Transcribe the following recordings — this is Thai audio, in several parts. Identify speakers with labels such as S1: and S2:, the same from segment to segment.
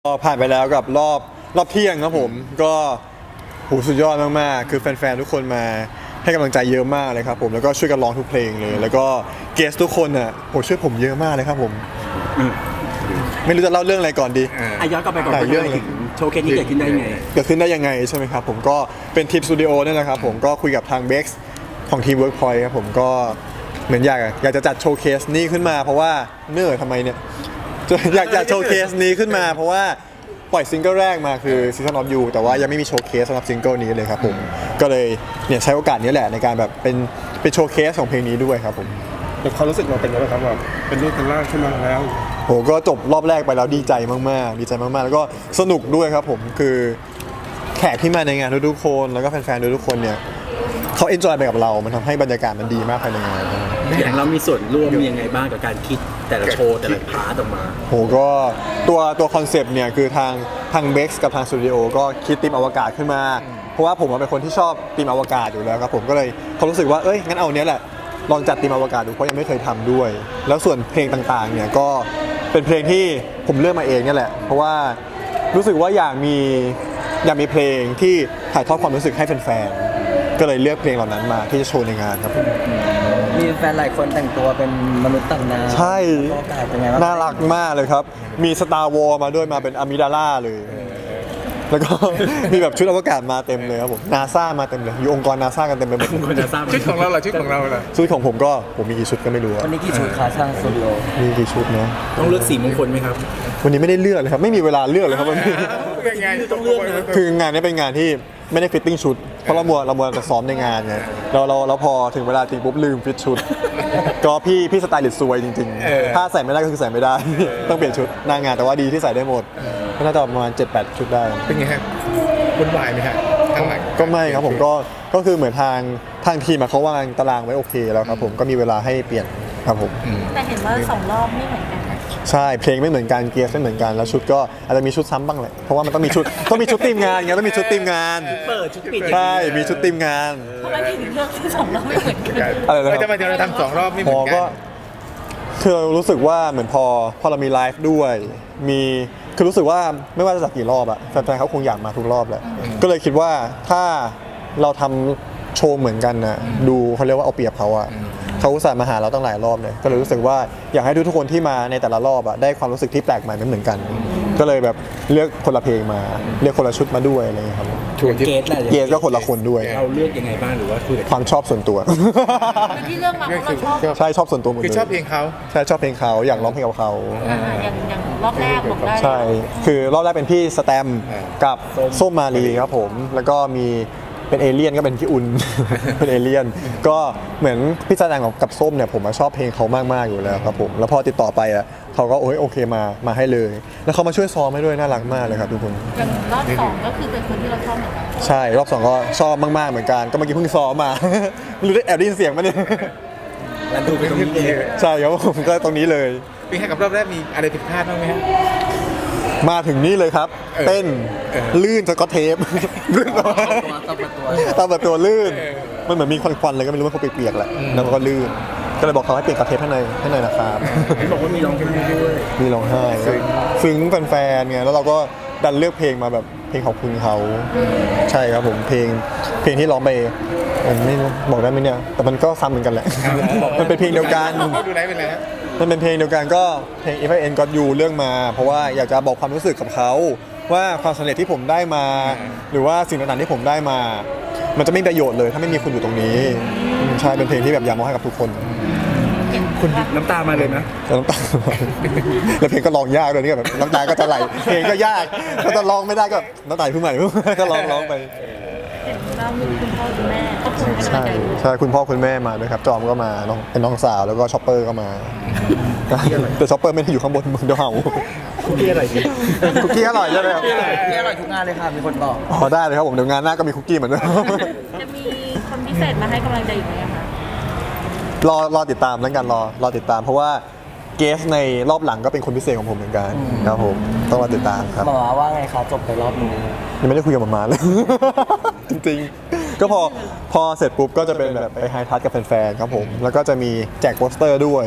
S1: ก็ผ่านไปแล้วกับรอบเที่ยงครับผมก็สุดยอดมากๆคือแฟนๆทุกคนมาให้กำลังใจเยอะมากเลยครับผมแล้วก็ช่วยกันร้องทุกเพลงเลยแล้วก็เกสทุกคนอ่ะช่วยผมเยอะมากเลยครับผมไม่รู้จะเล่าเรื่องอะไรก่อนดี
S2: ย้อนกลับไปก่อนเรื่องโชว์เคสนี้เกิดขึ้นได้ยังไง
S1: ใช่ไหมครับผมก็เป็นทีมสตูดิโอนี่แหละครับผมก็คุยกับทางเบ็กซ์ของทีมเวิร์กพอยต์ครับผมก็เหมือนอยากจะจัดโชว์เคสนี้ขึ้นมาเพราะว่าทำไมเนี่ยอยากโชว์เคสนี้ขึ้นมาเพราะว่าปล่อยซิงเกิลแรกมาคือ Season of You แต่ว่ายังไม่มีโชว์เคสสำหรับซิงเกิลนี้เลยครับผมก็เลยเนี่ยใช้โอกาสนี้แหละในการแบบเป็นโชว์เคสของเพลงนี้ด้วยครับผม
S3: แต่ความรู้สึกเราเป็นยังไงครับแบบเป็นรูปเป็นร่างขึ้นมาแล้ว
S1: ก็จบรอบแรกไปแล้วดีใจมากๆแล้วก็สนุกด้วยครับผมคือแขกที่มาในงานทุกๆคนแล้วก็แฟนๆทุกคนเนี่ยเขาเอนจอยไปกับเรามันทำให้บรรยากาศมันดีมากภายในงาน
S2: อย่างเรามีส่วนร่วมยังไงบ้างกับการคิดแต่ละโชว์แต่ละพาร์ทออกมา
S1: ก็ตัวคอนเซปต์เนี่ยคือทางเบ็กซ์กับทางสตูดิโอก็คิดธีมอวกาศขึ้นมาเพราะว่าผมเป็นคนที่ชอบธีมอวกาศอยู่แล้วครับผมก็เลยเขารู้สึกว่างั้นเอาเนี้ยแหละลองจัดธีมอวกาศดูเพราะยังไม่เคยทำด้วยแล้วส่วนเพลงต่างๆเนี่ยก็เป็นเพลงที่ผมเลือกมาเองเนี่ยแหละเพราะว่ารู้สึกว่าอยากมีเพลงที่ถ่ายทอดความรู้สึกให้แฟนๆก็เลยเลือกเพลงเหล่านั้นมาที่จะโชว์ในงานครับ
S4: มีแฟนหลายคนแต่งตัวเป็นมนุษย์ต่างดาว
S1: ใช่น่ารักมากเลยครับมี Star Wars มาด้วยมาเป็นอะมิดาล่าเลยแล้วก็มีแบบชุดอวกาศมาเต็มเลยครับผมนาซามาเต็มเลยอยู่องค์กรนาซากันเต็มไปหมด
S3: ชุดของเราล่ะชุดของ
S1: ผมก็ผมมีกี่ชุดก็ไม่รู้
S4: วันนี้กี่ชุดคะช่างสตูดิโอ
S1: มีกี่ชุดเนาะ
S2: ต้องเลือกสีมงคลไหมครับ
S1: วันนี้ไม่ได้เลือกเลยครับไม่มีเวลาเลือกเลยครับวันนี้
S2: ต้องเลือก
S1: คืองานนี้เป็นงานที่ไม่ได้ฟิตติ้งชุดเพราะเรามัวแต่ซ้อมในงานไงเราพอถึงเวลาจริงปุ๊บลืมฟิตชุดก็พี่สไตลิสต์ซวยจริงๆถ้าใส่ไม่ได้ก็คือใส่ไม่ได้ต้องเปลี่ยนชุดหน้างานแต่ว่าดีที่ใส่ได้หมดก็น่าจะประมาณ 7-8 ชุดได้
S3: เป็นไงฮะวุ่นวายไหมฮะข้างหลัง
S1: ก็ไม่ครับผมก็คือเหมือนทางทีมเขาวางตารางไว้โอเคแล้วครับผมก็มีเวลาให้เปลี่ยนครับผม
S5: แต่เห็นว่า2 รอบไม่เหมือนกัน
S1: ใช่เพลงไม่เหมือนกันเกียร์ไม่เหมือนกันแล้วชุดก็อาจจะมีชุดซ้ำบ้างแหละเพราะว่ามันต้องมีชุดทีมงานไงต้องมีชุดทีมงาน
S2: เปิดชุดปิด
S1: ใช่มีชุดทีมงาน
S5: ทำไมถึงเลือกที่2 รอบไม่เหมือนกัน
S1: อะไรนะ
S3: ทำไมเราทำ2 รอบไม่เหมือนกัน
S1: คือเรารู้สึกว่าเหมือนพอเรามีไลฟ์ด้วยคือรู้สึกว่าไม่ว่าจะจัดกี่รอบอะแฟนๆเขาคงอยากมาทุกรอบแหละก็เลยคิดว่าถ้าเราทำโชว์เหมือนกันนะดูเขาเรียกว่าเอาเปรียบเขาอะเขาอุตส่าห์มาหาเราตั้งหลายรอบเลยก็เลยรู้สึกว่าอยากให้ทุกคนที่มาในแต่ละรอบอะได้ความรู้สึกที่แปลกใหม่ไม่เหมือนกันก็เลยแบบเลือกคนละเพลงมาเลือกคนละชุดมาด้วยอะไรอย่างเงี้ยครับเกสก็คนละคนด้วย
S2: เราเลือกยังไงบ้างหรือว่าคุยกับ
S1: ความชอบส่วนตัว
S5: ที่เลือกมาเพราะเราชอบ
S1: ใช่ชอบส่วนตัวหมดเลย
S3: คือชอบเพลงเขา
S1: ใช่ชอบเพลงเขาอยากร้องเพลงกับเขา
S5: อย่างรอบแรกบอกได้
S1: ใช่คือรอบแรกเป็นพี่สแตมกับส้มมาลีครับผมแล้วก็มีเป็นเอเลี่ยนก็เป็นพี่อุ่นเป็นเอเลี่ยนก็เหมือนพี่แสดงกับส้มเนี่ยผมชอบเพลงเขามากๆอยู่แล้วครับผมแล้วพอติดต่อไปอ่ะเขาก็โอเคมาให้เลยแล้วเขามาช่วยซ้อมให้ด้วยน่ารักมากเลยครับทุกคน
S5: อย่างรอบ2ก็คือเป็นคนที่เราชอบเหมือนกัน
S1: ใช่รอบ2ก็ชอบมากๆเหมือนกันก็เมื่อกี้เพิ่งซ้อมมาไม่รู้ได้แอบได้ยินเสียงมั้ยเนี่ย
S2: แล้วดูไปตรงนี้
S1: ใช่ครับผมก็ตรงนี้เลย
S3: เป็นไงกับรอบแรกมีอะไรผิดพลาดบ้างไหมฮะ
S1: มาถึงนี่เลยครับเต้นลื่นสกอตเทปลื่นตามตัวลื่นมันเหมือนมีควันๆเลยก็ไม่รู้ว่าเขาเปียกๆแหละแล้วก็ลื่นก็เลยบอกเขาให้เปลี่ยนกระเทปให้หน่อยนะครับ
S2: บอกว่ามีร้องเพลงด้วย
S1: มีร้องไห้ซึ้งแฟนๆไงแล้วเราก็ดันเลือกเพลงมาแบบเพลงขอบคุณเขาใช่ครับผมเพลงที่ร้องไปไม่บอกได้ไหมเนี่ยแต่มันก็ซ้ำเหมือนกันแหละมันเป็นเพลงเดียวกัน
S3: ดูไหนเป็นไรฮะ
S1: มันเป็นเพลงเดียวกันก็เพลง If I End Got You เรื่องมาเพราะว่าอยากจะบอกความรู้สึกกับเขาว่าความสำเร็จที่ผมได้มาหรือว่าสิ่งต่างๆที่ผมได้มามันจะไม่มีประโยชน์เลยถ้าไม่มีคุณอยู่ตรงนี้ใช่เป็นเพลงที่แบบอยากมอบให้กับทุกคน
S2: คุณน้ำตามาเลยนะ
S1: น้ำตาแล้วเพลงก็ร้องยากเลยนี่แบบน้ำตาก็จะไหลเพลงก็ยากก็จะร้องไม่ได้ก็น้ำตาขึ้นใหม่ก็ร้องไป
S5: แล้วมีคุณพ่อคุณแม่ก็คุณ
S1: ใช่คุณพ่อคุณแม่มาด้วยครับจอมก็มาเป็นน้องสาวแล้วก็ช็อปเปอร์ก็มาแต่ช็อปเปอร์ไม่ได้อยู่ข้างบนมึงเดี๋ยวเห่า
S2: คุกกี้อร่อยจริง
S1: คุกกี้อร่อยใช่ไหมครับ
S4: คุกกี้อร่อยทุกงานเลยค่ะมีคนบอก
S1: ได้เลยครับผมเดี๋ยวงานหน้าก็มีคุกกี้เหมือนเดิม
S5: จะมีคนพิเศษมาให้กำลังใจอีกไหมคะ
S1: รอติดตามแล้วกันรอติดตามเพราะว่าเกสในรอบหลังก็เป็นคนพิเศษของผมเหมือนกันครับผมต้องรอติดตามครับ
S4: หมอว่าไงครับจบไปรอบนี้
S1: ยังไม่ได้คุยกับหมอเลยจริงๆก็พอเสร็จปุ๊บก็จะเป็นแบบไปไฮทัชกับแฟนๆครับผมแล้วก็จะมีแจกโปสเตอร์ด้วย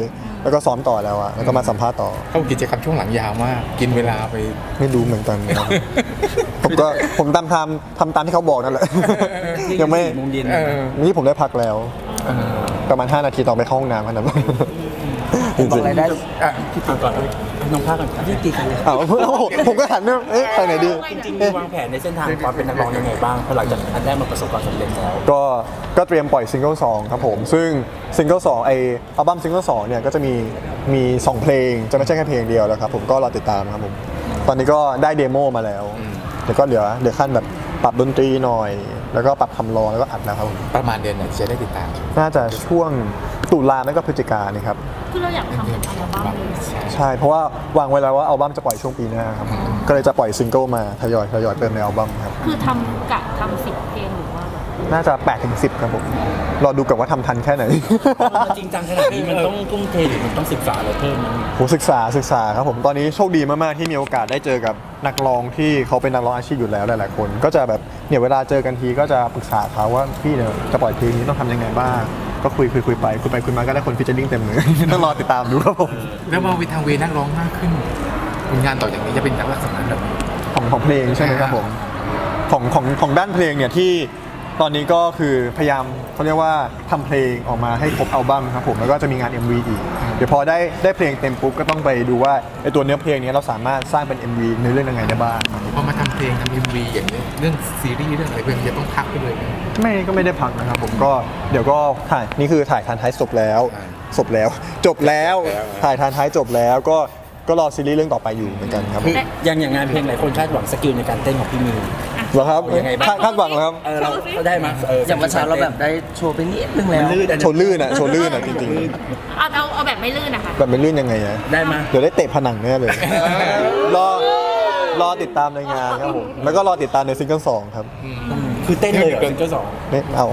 S1: แล้วก็ซ้อมต่อแล้วอะแล้วก็มาสัมภาษณ์ต่อ
S6: เข้ากิจกรรมช่วงหลังยาวมาก กินเวลาไป
S1: ไม่รู้เหมือนกันครับ ผมทำตามที่เขาบอกนั่นแหละ ยังไม่
S2: 4 โมงเย็น
S1: นี่ผมได้พักแล้วประมาณ5 นาทีต่อไปเข้าห้องน้ำขนาดนั้นจริง
S4: บอกรายได้
S2: พี่ตีก่อนน้องภาคก่อนพี่ตีกันเลย
S1: ๆอ้าวผมก็หันเนี่ยเอ๊ะไปไหนดี
S2: จริงๆมีวางแผนในเส้นทางความเป็นนักร้องยังไงบ้างพอหลังจากอันแรกมันประสบความสำเร็จแล้ว
S1: ก็เตรียมปล่อยซิงเกิล2ครับผมซึ่งซิงเกิล2อัลบั้มซิงเกิล2เนี่ยก็จะมี2เพลงจะไม่ใช่แค่เพลงเดียวแล้วครับผมก็รอติดตามครับผมตอนนี้ก็ได้เดโมมาแล้วเดี๋ยวก็เหลือขั้นแบบปรับดนตรีหน่อย แล้วก็ปรับคำร้องแล้วก็อัดแล้วครับผม
S6: ประมาณเดือนไหนจะได้ติดตาม
S1: น่าจะช่วงตุลาไม่ก็พฤศจิกายนนี่ครับ
S5: คือเราอยากทำเป็นอัลบั้มเลย
S1: ใช่เพราะว่าวางไว้แล้วว่าอัลบั้มจะปล่อยช่วงปีหน้าครับก็เลยจะปล่อยซิงเกิลมาทยอยเติมในอัลบั้มครับ
S5: คือทำ10 เพลงหรือว่าแบบ
S1: น่าจะ8-10ครับผมรอดูกันว่าทำทันแค่ไหน
S2: จริงจังขนาดนี้มันต้องทุ่มเทหรือมันต้องศึกษาอะไรเพิ่มมัน
S1: ผมศึกษาครับผมตอนนี้โชคดีมากๆที่มีโอกาสได้เจอกับนักร้องที่เขาเป็นนักร้องอาชีพอยู่แล้วหลายๆคนก็จะแบบเนี่ยเวลาเจอกันทีก็จะปรึกษาเขาว่าพี่เนี่ยจะปล่อยเพลงนี้ต้องทำยังไงบ้างก็คุยไปคุยมาก็ได้คนฟิชเชอร์ลิงเต็มเลย ต้องรอติดตามดูครับผม
S6: แล้วมาวิทางเวนักร้องมากขึ้นผลงานต่อจากนี้จะเป็นลักษณะแบบไหน
S1: ของเพลงใช่ไหมครับผมของด้านเพลงเนี่ยที่ตอนนี้ก็คือพยายามเขาเรียกว่าทำเพลงออกมาให้ครบอัลบั้มครับผมแล้วก็จะมีงาน MV อีกเดี๋ยวพอได้เพลงเต็มปุ๊บก็ต้องไปดูว่าไอตัวเนื้อเพลงนี้เราสามารถสร้างเป็น MV ในเรื่องยังไงได้บ้าง
S6: พอมาทำเพลงทำ MV อย่างนี้เรื่องซีรีส์เรื่องอะไรเพื่อนจะต้องพักไปเลยไหม
S1: ก็ไม่ได้พักนะครับผมก็เดี๋ยวก็ถ่ายนี่คือถ่ายทานท้ายจบแล้วจบแล้วถ่ายทานท้ายจบแล้วก็รอซีรีส์เรื่องต่อไปอยู่เหมือนกันครับผม
S2: อย่างงานเพลงหลายคนคาดหวังสกิลในการเต้นของพี่มิว
S1: เหรอครับ
S2: ยังไงบ้าง
S1: คาดหวังเหรอครับ
S2: เราได้มา
S4: อย่างวันเช้าเราแบบได้โชว์ไปนิดนึงแล้ว
S1: โชว์ลื่นอ่ะจริง
S5: เอาแบบไม่ลื่นนะคะ
S1: ๆแบบเป็นลื่นยังไงอะ
S2: ได้มา
S1: เดี๋ยวได้เตะผนังแน่เลยรอติดตามในงานครับผมแล้วก็รอติดตามในซิงเกิล2ครับ
S2: คือเต้นเลยเหรอซิงเกิล
S1: นี่เอา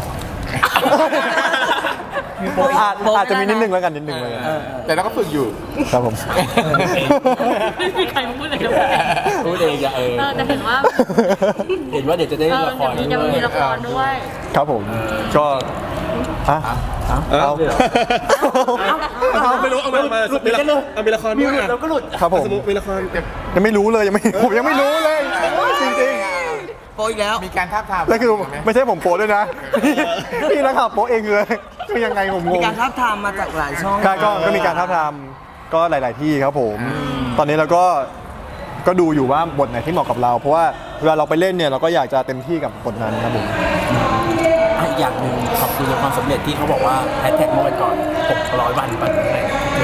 S1: อาจจะมีนิดนึงแล้วกันนิดนึงเลย
S6: แต่เราก็ฝึกอยู่
S1: ครับผม
S5: ไม่มีใครมาพูดเลยนะ
S2: พูดเองอะ
S5: แต่เห็นว่า
S2: เห็นว่าเดี๋ยวจะได้ละคร
S5: จะมีละครด้วย
S1: ครับผมก็อ่ะเอา
S3: ไม่รู้เอามาหลุดกันเลยเอามีละครด้วย
S2: เราก็หลุด
S1: ครับผม
S3: สมมติมีละคร
S1: ยังไม่รู้เลยผมยังไม่รู้เลยจริง
S4: โปรอีกแล้ว
S6: มีการท้าบทาม
S1: ๆแล้วคือไม่ใช่ผมโพสด้วยนะพี่นักข่าวโพสเองเลยคือยังไงผมง
S4: มี
S1: ง
S4: การท้าบทามมาจากหลายช่อง
S1: ก็มีการท้าบทามก็หลาย ๆ ที่ครับผม ตอนนี้เราก็ดูอยู่ว่าบทไหนที่เหมาะกับเรา เพราะว่าเวลาเราไปเล่นเนี่ยเราก็อยากจะเต็มที่กับบทนั้นครับผม
S2: อีกอย่างหนึ่งขอบคุณในความสำเร็จที่เขาบอกว่าแฮชแท็กเมื่อวันก่อน600 วันปันอะไร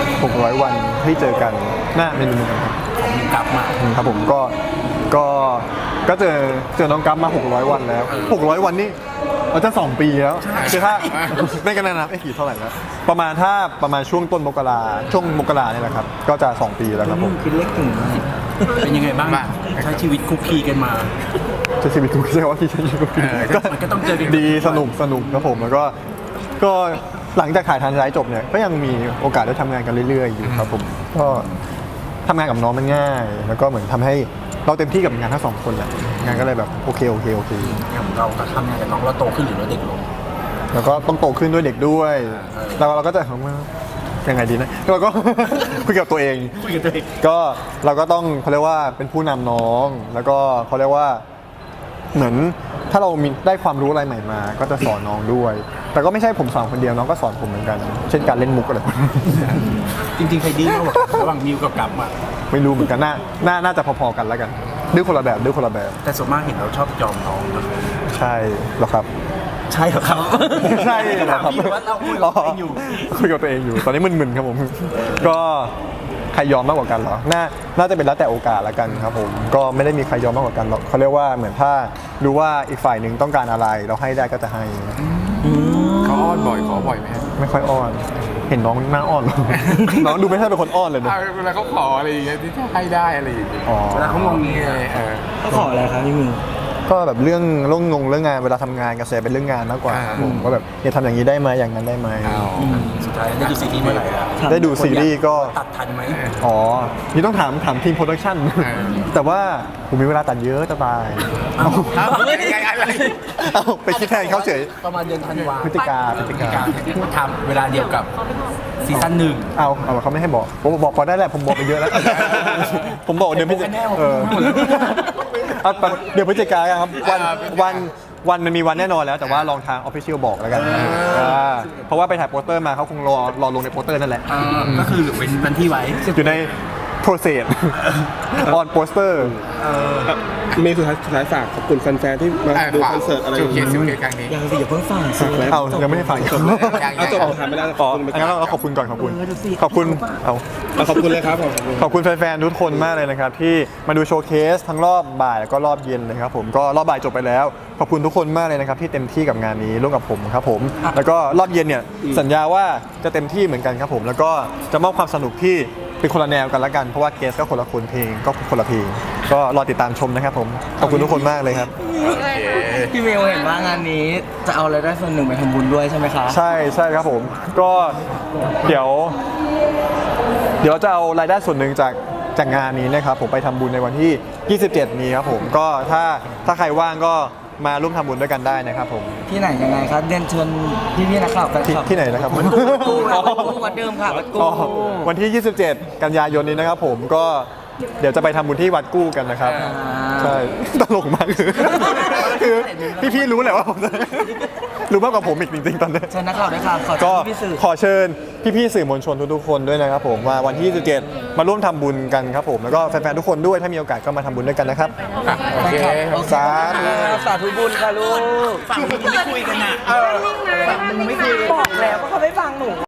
S1: 600 วันให้เจอกันหน้าเมนูครับ
S2: ของมิวกลับมา
S1: ครับผมก็เจอน้องกั๊มมา600 วันแล้ว600 วันนี่เราจะ2 ปีแล้วคือถ้าไม่กันนะกี่เท่าไหร่แล้วประมาณช่วงต้นมกราช่วงมกราเนี่ยแหละครับก็จะ2 ปีแล้วครับผม
S4: คิดเล็กถึง
S2: เป็นยังไงบ้างใช้ชีวิตคุกคีกันมา
S1: จะชีวิตกูใช่ว่าที่ฉันอยู่กับ
S2: มันก็ต้องเจอกัน
S1: ดีสนุกครับผมแล้วก็หลังจากถ่ายทานท้ายจบเนี่ยก็ยังมีโอกาสได้ทำงานกันเรื่อยๆอยู่ครับผมก็ทำงานกับน้องมันง่าย แล้วก็เหมือนทำให้เราเต็มที่กับงานทั้ง2 คนแหละงานก็เลยแบบโอเค
S2: อย่างเราก็ทำงานกับน้องเราโตขึ้นหรือเราเด็กลง
S1: แล้วก็ต้องโตขึ้นด้วยเด็กด้วยแล้วเราก็จะยังไงดีนะเราก็ คุยกับตัวเอง ก็เราก็ต้องเขาเรียกว่าเป็นผู้นำน้องแล้วก็เขาเรียกว่าเหมือนถ้าเรามีได้ความรู้อะไรใหม่มาก็จะสอนน้องด้วย แต่ก็ไม่ใช่ผมสอนคนเดียวน้องก็สอนผมเหมือนกัน เช่นการเล่นมุกอะไร
S2: จริงๆใครดื้อมากกว่ากันระหว่างมิวกับกัปอ่ะ
S1: ไม่รู้เหมือนกันน่าจะพอๆกันแล้วกันดื้อคนละแบบ
S2: แต่ส่วนมากเห็นเราชอบยอมน้องนะ
S1: ใช่เหรอครับ
S2: ใช่เหรอครับ
S1: ใช่เหรอครับ
S2: พี่ว่าเราคุยกับตัวเองอยู่
S1: คุยกับตัวเองอยู่ตอนนี้มึนๆครับผมก็ใครยอมมากกว่ากันเหรอน่าจะเป็นแล้วแต่โอกาสละกันครับผมก็ไม่ได้มีใครยอมมากกว่ากันหรอกเขาเรียกว่าเหมือนถ้ารู้ว่าอีกฝ่ายหนึ่งต้องการอะไรเราให้ได้ก็จะให้
S6: เขาอ้อนบ่อยขอบ่อยไหมฮะ
S1: ไม่ค่อยอ้อน เห็นน้องหน้าอ้อน น้องดูไม่ใช่เป็นคนอ้อนเลยนะ
S6: เวลาเขาขออะไรอย่างเงี้ยที่จะให้ได้อะไรอย่างเงี้ย
S1: อ๋อ
S2: เวลาเขางงเงี้ย
S4: เขาขออะไรครับพี่มิว
S1: ก็แบบเรื่องงานเวลาทำงานกับแซเป็นเรื่องงานมากกว่าครับผมก็แบบอย่าทำอย่างนี้ได้ไหมอย่างนั้นได้ไหม
S2: สุดท้ายได้ดูซีรีส์เมื่อไหร่อะ
S1: ได้ดูซีรีส์ก็
S2: ตัดทันไหม
S1: อ๋อนี่ต้องถามทีมโปรดักชั่นแต่ว่าผมมีเวลาตัดเยอะจะตาย เอาไปคิดแทนเขาเฉย
S2: ประมาณเดือนธันวา
S1: พฤศจิกา
S2: ทำเวลาเดียวกับซีซั่นหนึ่ง
S1: เอาเขาไม่ให้บอกผมบอกก่อนได้แหละผมบอกไปเยอะแล้ว ผมบอกเดี๋ยวพฤศจิ
S2: แน่ผม
S1: เออเอาเดี๋ยวพฤศจิกาครับวันมันมีวันแน่นอนแล้วแต่ว่าลองทางออฟฟิเชียลบอกแล้วกันเพราะว่าไปถ่ายโปสเตอร์มาเขาคงรอลงในโปสเตอร์นั่นแหละ
S2: ก็คือเป็นวันที่ไว้
S1: อยู่ใน process on poster
S3: มีสุดท้ายฝากขอบคุณแฟนๆที่มาดูคอนเสิร์ตอะไรอย่าง
S6: เงี้
S3: เงี้
S6: ย
S3: ย
S6: ครั้งนี้
S2: ยังสิอย่าเพิ่งฟังสิ
S1: เอายังไม่ได้ฟัง
S3: เอาจบถามไปแล้ว
S1: อ๋องั้นเราขอบคุณก่อนขอบคุณขอบคุณเอา
S3: ขอบคุณเลยครับผม
S1: ขอบคุณแฟนๆทุกคนมากเลยนะครับที่มาดูโชว์เคสทั้งรอบบ่ายแล้วก็รอบเย็นนะครับผมก็รอบบ่ายจบไปแล้วขอบคุณทุกคนมากเลยนะครับที่เต็มที่กับงานนี้ร่วมกับผมครับผมแล้วก็รอบเย็นเนี่ยสัญญาว่าจะเต็มที่เหมือนกันครับผมแล้วก็จะมอบความสนุกที่เป็นคนละแนวกันละกันเพราะว่าเกสก็คนละคนเพลงก็คนละเพลงก็รอติดตามชมนะครับผมขอบคุณทุกคนมากเลยครับ
S4: พี่เมลเห็นว่างานนี้จะเอารายได้ส่วนหนึ่งไปทำบุญด้วยใช่ไหมคะ
S1: ใช่ครับผมก็เดี๋ยวเราจะเอารายได้ส่วนหนึ่งจากงานนี้นะครับผมไปทำบุญในวันที่ 27 นี้ครับผมก็ถ้าใครว่างก็มาร่วมทำบุญด้วยกันได้นะครับผม
S4: ที่ไหนยังไงครับเรียนเชิญพี่ๆนักข่าวแฟนคลับ
S1: ที่ไหนนะครับ
S4: วัดกูวัดเดิมค่ะวัดกู
S1: อ๋อวันที่ 27 กันยายนนี้นะครับผมก็เดี๋ยวจะไปทำบุญที่วัดกู้กันนะครับใช่ตลกมากคือพี่ๆรู้แหละว่าผมรู้มากกว่าผมอีกจริงๆตอนนี้
S4: เชิญนักข่าวด้วยค่ะขอ
S1: ก็
S4: เชิญพี่สื่อ
S1: ขอเชิญพี่ๆสื่อมวลชนทุกๆคนด้วยนะครับผมว่าวันที่ 27 มาร่วมทำบุญกันครับผมแล้วก็แฟนๆทุกคนด้วยถ้ามีโอกาสก็มาทำบุญด้วยกันนะครับ
S6: โอเค
S1: สาธุ
S4: สาธุบุญค่ะลูก
S2: ฝั่งนี้ไม่คุยกันอ่ะ
S4: บอกแล้วว่าเขาไม่ฟังหนู